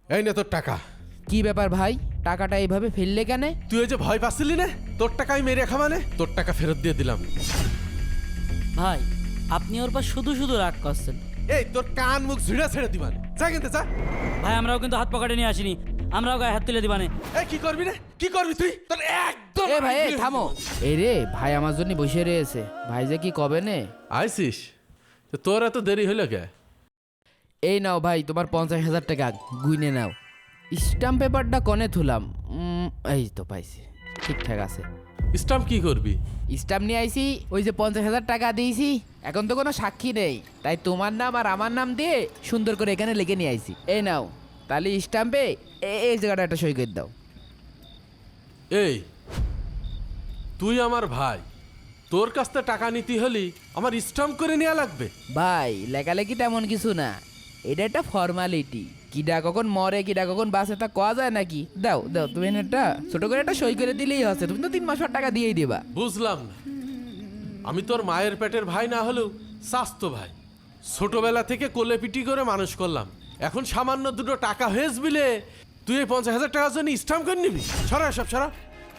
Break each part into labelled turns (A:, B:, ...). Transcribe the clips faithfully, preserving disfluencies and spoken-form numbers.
A: এই নে তোর টাকা।
B: কি ব্যাপার ভাই, টাকাটা এইভাবে ফেললে কেন?
A: তুই ওই যে ভয় পাচ্ছিলি না, তোর টাকাই মেরে রাখা মানে তোর টাকা ফেরত দিয়ে দিলাম।
C: ভাই আপনি ওর পর শুধু শুধু রাগ করছেন।
A: এই তোর কান মুখ ঝুড়া ছেড়ে দিবানে, যা কিনতে যা।
C: ভাই আমরাও কিন্তু হাত পকেটে নিয়ে আসিনি, আমরাও গায়ে হাত তুলে দিবানে।
A: এই কি করবি রে, কি করবি তুই? তোর একদম
B: এ ভাই এ থামো। এই রে ভাই আমার জন্য বসে রয়েছে, ভাই যে কি কবে নে।
A: আইসিস তো তোর এত দেরি হইল কে?
B: এই নাও ভাই তোমার পঞ্চাশ হাজার টাকা, গুইনে নাও। স্ট্যাম্প পেপারটা কনে থুলাম? উম, এই তো পাইছি, ঠিকঠাক আছে।
A: স্টাম্প কি করবি?
B: স্ট্যাম্প নিয়ে আইছি, ওই যে পঞ্চাশ হাজার টাকা দিয়েছি, এখন তো কোনো সাক্ষী নেই, তাই তোমার নাম আর আমার নাম দিয়ে সুন্দর করে এখানে লিখে নিয়ে আইছি। এই নাও, তাহলে স্ট্যাম্পে এই জায়গাটা একটা সই করে দাও।
A: এই তুই আমার ভাই, তোর কাছ থেকে টাকা নিতে হলি আমার স্টাম্প করে নেওয়া লাগবে?
B: ভাই লেখালেখি তেমন কিছু না, এটা একটা ফর্মালিটি। কিডা কখন মরে কিডা কখন বাঁচে তা কোয়া যায় নাকি? দাও দাও, তুমি একটা ছোট করে একটা সই করে দিলেই হচ্ছে, তুমি তো তিন মাস পর টাকা দিয়েই দিবা।
A: বুঝলাম না, আমি তোর মায়ের পেটের ভাই না হলেও স্বাস্থ্য ভাই, ছোটবেলা থেকে কোলে পিটি করে মানুষ করলাম, এখন সামান্য দুটো টাকা হয়েছ বিলে তুই এই পঞ্চাশ হাজার টাকার জন্য স্টাম্প করে নিবি? সরা সব সরা।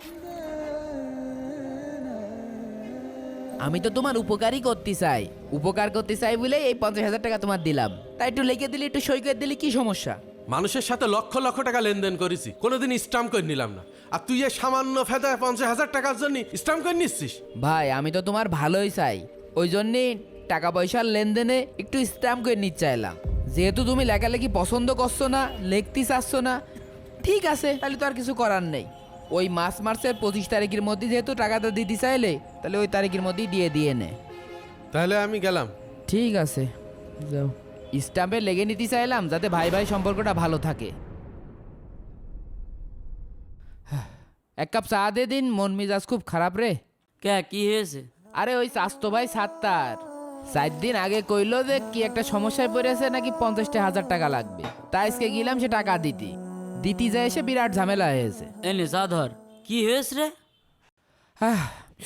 B: আমি তো তোমার উপকারই করতে চাই, উপকার করতে চাই বলে এই পঞ্চাশ হাজার টাকা তোমার দিলাম, তাই একটু লিখে দিলে একটু সই করে দিলে কি সমস্যা?
A: মানুষের সাথে লক্ষ লক্ষ টাকা লেনদেন করেছি, কোনোদিন স্টাম্প করে নিলাম না, আর তুই এই সামান্য ফেদায় পঞ্চাশ হাজার টাকার জন্য স্টাম্প করে নিচ্ছিস?
B: ভাই আমি তো তোমার ভালোই চাই, ওই জন্যে টাকা পয়সার লেনদেনে একটু স্ট্যাম্প করে নিতে চাইলাম। যেহেতু তুমি লেখালেখি পছন্দ করছো না, লিখতে চাচ্ছ না, ঠিক আছে, তাহলে তো আর কিছু করার নেই। ওই মাস মার্চের পঁচিশ তারিখের মধ্যে যেহেতু টাকাটা দিতে চাইলে, তাহলে ওই তারিখের মধ্যেই দিয়ে দিয়ে নে।
A: তাহলে আমি গেলাম।
B: ঠিক আছে যাও। স্ট্যাম্পে লেগে নিতে চাইলাম যাতে ভাই ভাই সম্পর্কটা ভালো থাকে। এক কাপ চা দে দিন, মন মেজাজ খুব খারাপ রে।
C: কে কি হয়েছে?
B: আরে ওই স্বাস্থ্য ভাই সাত্তার চার দিন আগে কইলো যে কি একটা সমস্যায় পড়েছে, নাকি পঞ্চাশটা হাজার টাকা লাগবে, তাই আজকে গেলাম সে টাকা দিতি দিতি যায় এসে বিরাট ঝামেলা হয়েছে।
C: এনে চা ধর। কি হয়েছে রে?
B: আহ,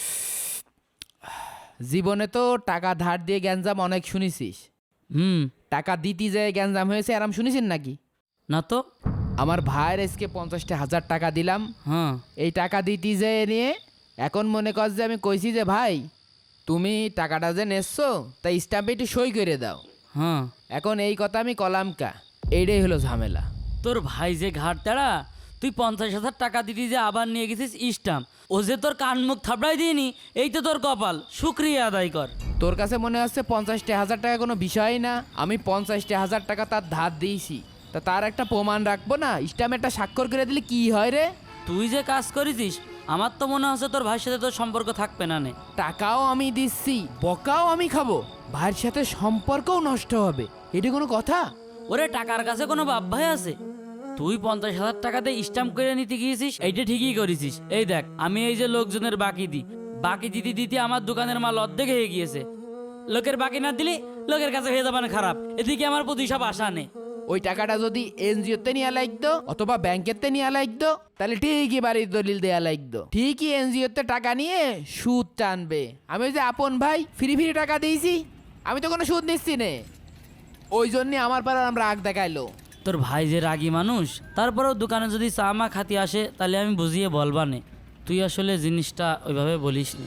B: জীবনে তো টাকা ধার দিয়ে গ্যাঞ্জাম অনেক শুনেছিস,
C: হুম।
B: টাকা দিতে যায় গ্যাঞ্জাম হয়েছে আরাম শুনেছেন নাকি?
C: না তো।
B: আমার ভাইয়ের আজকে পঞ্চাশটা হাজার টাকা দিলাম,
C: হ্যাঁ।
B: এই টাকা দিতে যেয়ে নিয়ে এখন মনে কর যে আমি কইছি যে ভাই তুমি টাকাটা যে নেছো তাই স্ট্যাম্পে একটু সই করে দাও।
C: হ্যাঁ।
B: এখন এই কথা আমি কলাম কা, এইটাই হলো ঝামেলা।
C: তোর ভাই যে ঘাট তাড়া, তুই পঞ্চাশ হাজার টাকা দিতি যে আবার নিয়ে গেছিস স্টাম্প, ও যে তোর কান মুখ থাপড়াই দিইনি, এই তো তোর কপাল, শুক্রিয়া আদায় কর।
B: তোর কাছে মনে হচ্ছে পঞ্চাশটা হাজার টাকা কোনো বিষয় না, আমি পঞ্চাশটা হাজার টাকা তার ধার দিয়েছি, তা তার একটা প্রমাণ রাখবো না, স্ট্যাম্পে একটা স্বাক্ষর করে দিলে কি হয় রে?
C: তুই যে কাজ করেছিস, আমার তো মনে হচ্ছে তোর ভাইয়ের সাথে তোর সম্পর্ক থাকবে না নে।
B: টাকাও আমি দিচ্ছি, বকাও আমি খাবো, ভাইয়ের সাথে সম্পর্কও নষ্ট হবে, এটা কোনো কথা?
C: ওরে টাকার কাছে কোনো বাপ ভাই আছে? তুই পঞ্চাশ হাজার টাকাতে স্ট্যাম্প করে নিতে গিয়েছিস, এইটা ঠিকই করেছিস। এই দেখ, আমি এই যে লোকজনের বাকি দিই, বাকি দিতে দিতে আমার দোকানের মাল অর্ধেক হয়ে গিয়েছে। লোকের বাকি না দিলে লোকের কাছে হয়ে যাবে না খারাপ, এদিকে আমার প্রতি সব আশা নেই।
B: ওই টাকাটা যদি এনজিওতে নিয়ে লাগতো অথবা ব্যাংকেতে নিয়ে লাগতো, তাহলে ঠিকই বাড়ির দলিল দেয়া লাগতো, ঠিকই এনজিওতে টাকা নিয়ে সুদ টানবে। আমি ওই যে আপন ভাই ফ্রি ফ্রি টাকা দিয়েছি, আমি তো কোনো সুদ নিচ্ছি নে, ওই জন্যে আমার পাড়ার আমরা রাগ দেখাইলো।
C: তোর ভাই যে রাগী মানুষ, তারপরেও দোকানে যদি চা মা খাতি আসে তাহলে আমি বুঝিয়ে বলবানে, তুই আসলে জিনিসটা ওইভাবে বলিস নি।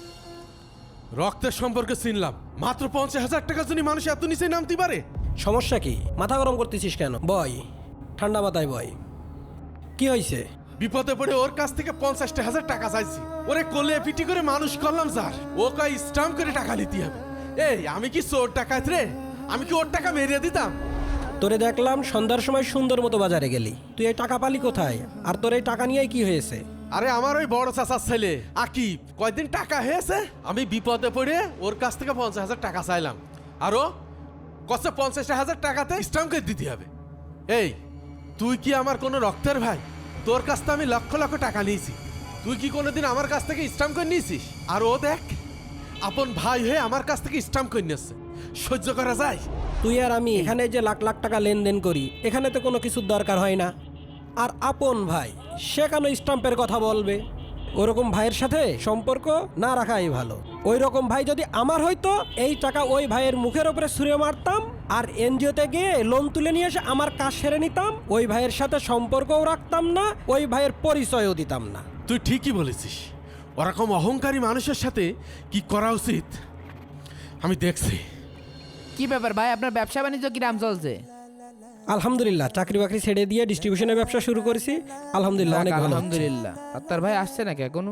A: রক্তের সম্পর্কে চিনলাম, মাত্র পঞ্চাশ হাজার টাকার জন্য মানুষ এত নিচে নামতে পারে?
D: সমস্যা কি? মাথা গরম করতেছিস কেন? বয়, ঠান্ডা মাথায় বয়। কি হয়েছে?
A: বিপদে পড়ে ওর কাছ থেকে পঞ্চাশটা হাজার টাকা চাইছি, ওরে কোলে পিটি করে মানুষ করলাম স্যার, ও কয় স্টাম্প করে টাকা নিতে হবে। এই আমি কি চোর টাকাত রে? আমি কি ওর টাকা মেরে দিতাম?
D: তোরে দেখলাম সন্ধ্যার সময় সুন্দর মতো বাজারে গেলি, তুই এই টাকা পালি কোথায়? আর তোর এই টাকা নিয়ে কি হয়েছে?
A: আরে আমার ওই বড় চাচার ছেলে আকিব কয়দিন টাকা হয়েছে, আমি বিপদে পড়ে ওর কাছ থেকে পঞ্চাশ হাজার টাকা চাইলাম, আরো কত পঞ্চাশ হাজার টাকাতে স্টাম্প করে দিতে হবে। এই তুই কি আমার কোনো রক্তের ভাই? তোর কাছ থেকে আমি লক্ষ লক্ষ টাকা নিয়েছি, তুই কি কোনোদিন আমার কাছ থেকে স্টাম্প করে নিয়েছিস? আর ও দেখ আপন ভাই হয়ে আমার কাছ থেকে স্টাম্প করে নিয়েছে, সহ্য করা যায়?
D: তুই আর আমি এখানে যে লাখ লাখ টাকা লেনদেন করি, এখানে তো কোনো কিছুর দরকার হয় না। আর আপন ভাই সে কেন স্টাম্পের কথা বলবে? ওরকম ভাইয়ের সাথে সম্পর্ক না রাখাই ভালো। ওই রকম ভাই যদি আমার হইতো, এই টাকা ওই ভাইয়ের মুখের ওপরে ছুঁড়ে মারতাম, আর এনজিওতে গিয়ে লোন তুলে নিয়ে এসে আমার কাজ সেরে নিতাম, ওই ভাইয়ের সাথে সম্পর্কও রাখতাম না, ওই ভাইয়ের পরিচয়ও দিতাম না।
A: তুই ঠিকই বলেছিস, ওরকম অহংকারী মানুষের সাথে কি করা উচিত আমি দেখছি।
B: কি ব্যাপার ভাই, আপনার ব্যবসা বাণিজ্য কিরাম চলছে?
D: আলহামদুলিল্লাহ, চাকরি বাকরি ছেড়ে দিয়ে ডিস্ট্রিবিউশনের ব্যবসা শুরু করেছি। আলহামদুলিল্লাহ, অনেক ভালো হচ্ছে।
B: আলহামদুলিল্লাহ। আর তার ভাই আসছে নাকি এখনো?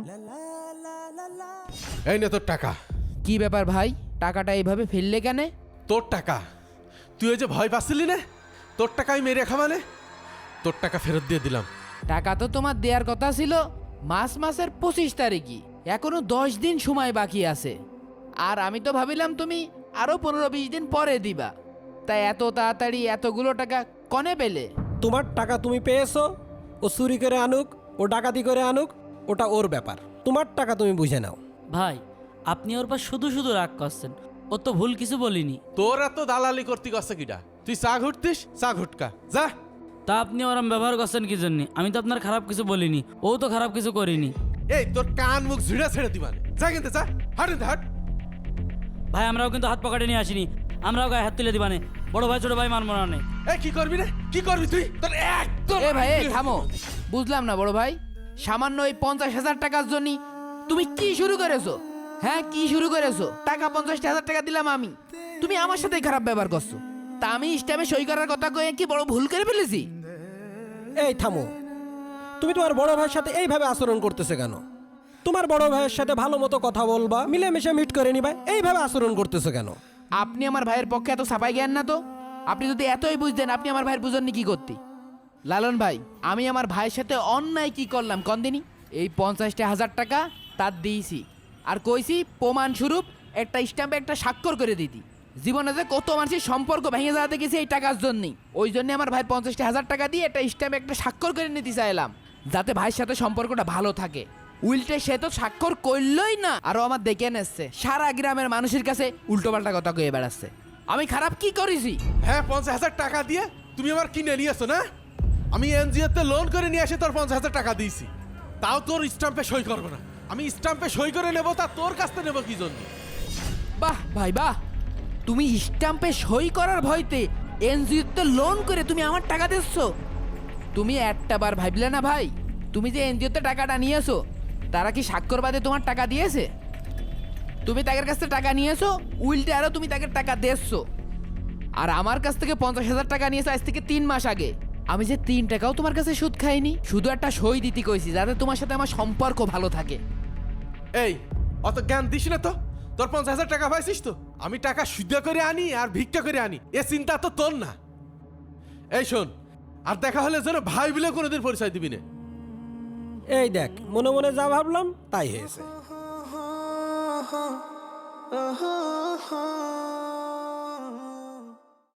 A: এই নে তোর টাকা।
B: কি ব্যাপার ভাই, টাকাটা এইভাবে ফেললে কেন?
A: তোর টাকা, তুই ওই যে ভয় পাচ্ছিলি না, তোর টাকাই মেরে খামানে, তোর টাকা ফেরত দিয়ে দিলাম।
B: টাকা তো তোমার দেওয়ার কথা ছিল মাস মাসের পঁচিশ তারিখই, এখনো দশ দিন সময় বাকি আছে। আর আমি তো ভাবিলাম তুমি আরো পনেরো বিশ দিন পরে দিবা, তাই এত তাড়াতাড়ি এতগুলো টাকা কনে পেলে?
D: তোমার টাকা তুমি পেয়েছো, ও চুরি করে আনুক, ও ডাকাতি করে আনুক, ওটা ওর ব্যাপার। তোমার টাকা তুমি বুঝে নাও।
C: ভাই আপনি ওর পর শুধু শুধু রাগ করছেন, ও তো ভুল কিছু বলিনি।
A: তোর এত দালালি করতে গেছে কিটা? তুই চা ঘুরতিস, চা ঘুটকা যা।
C: তা আপনি ওরম ব্যবহার করছেন কি জন্য? আমি তো আপনার খারাপ কিছু বলিনি, ও তো খারাপ কিছু করিনি।
A: এই তোর কান মুখ ঝুড়ে ছেড়ে দিবানে, যা কিনতে যা, হাট এনতে, হাট।
C: ভাই আমরাও কিন্তু হাত পকেটে নিয়ে আসিনি, আমরাও গায়ে হাত তুলে দিবানে। বড় ভাই ছোট ভাই মানবো না নে।
A: এই কি করবি রে, কি করবি তুই? তোর একদম
B: এ ভাই, এই থামো। বুঝলাম না বড় ভাই, সামান্য এই পঞ্চাশ হাজার টাকার জন্য তুমি কি শুরু করেছো? হ্যাঁ, কি শুরু করেছো? টাকা পঞ্চাশ হাজার টাকা দিলাম আমি, তুমি আমার সাথে খারাপ ব্যবহার করছো। তা আমি স্ট্যাম্পে সই করার কথা কয়ে কি বড় ভুল করে ফেলেছি?
D: এই থামো, তুমি তোমার বড় ভাইয়ের সাথে এইভাবে আচরণ করতেছে কেন? তোমার বড় ভাইয়ের সাথে ভালো মতো কথা বলবা, মিলেমিশে মিট করে নিবা, এইভাবে আচরণ করতেছে কেন?
B: আপনি আমার ভাইয়ের পক্ষে এত সাফাই জ্ঞান না তো? আপনি যদি এতই বুঝতেন, আপনি আমার ভাইয়ের বুঝননি কি করতে? লালন ভাই, আমি আমার ভাইয়ের সাথে অন্যায় কি করলাম কন্দিনী? এই পঞ্চাশটা হাজার টাকা তার দিয়েছি, আর কইছি প্রমাণ স্বরূপ একটা স্ট্যাম্পে একটা স্বাক্ষর করে দিতি। জীবনে যে কত মানুষের সম্পর্ক ভেঙে যাওয়াতে গেছে এই টাকার জন্যই, ওই জন্য আমার ভাই পঞ্চাশটা হাজার টাকা দিয়ে একটা স্ট্যাম্পে একটা স্বাক্ষর করে নিতে চাইলাম, যাতে ভাইয়ের সাথে সম্পর্কটা ভালো থাকে। উল্টে সে তো স্বাক্ষর করলই না, আরো আমার দেখে নেচ্ছে সারা গ্রামের মানুষের কাছে উল্টো পাল্টা কথা কয়ে বেড়াচ্ছে। আমি খারাপ কি করেছি?
A: হ্যাঁ, পঞ্চাশ হাজার টাকা দিয়ে তুমি আমার কিনে নিয়েছো না? আমি এনজিওতে লোন করে নিয়ে এসে তোর পঞ্চাশ হাজার টাকা দিয়েছি, তাও তোর স্ট্যাম্পে সই করবো না। আমি স্ট্যাম্পে সই করে নেবো, তা তোর কাছ থেকে নেবো কি জন্য?
B: বাহ ভাই বাহ, তুমি স্ট্যাম্পে সই করার ভয়তে এনজিওতে লোন করে তুমি আমার টাকা দিচ্ছ। তুমি একটা বার ভাবলে না ভাই, তুমি যে এনজিওতে টাকাটা নিয়েছো, তারা কি স্বাক্ষর বাদে তোমার টাকা দিয়েছে? তুমি তাদের কাছ থেকে টাকা নিয়েছো, উল্টে আরো তুমি তাকে টাকা দিচ্ছো। আর আমার কাছ থেকে পঞ্চাশ হাজার টাকা নিয়েছো আজ থেকে তিন মাস আগে, আমি যে তিন টাকাও তোমার কাছে সুদ খাইনি, শুধু একটা সই দিতে কইছি যাতে তোমার সাথে আমার সম্পর্ক ভালো থাকে।
A: এই অত জ্ঞান দিস না তো। তোর পঞ্চাশ হাজার টাকা পাইছিস তো, আমি টাকা শুদ্ধ করে আনি আর ভিক্ষা করে আনি, এ চিন্তা তো তোর না। এই শোন, আর দেখা হলে যেন ভাই বলে কোনোদিন পরিচয় দিবি না।
D: এই দেখ, মনে মনে যা ভাবলাম তাই হয়েছে।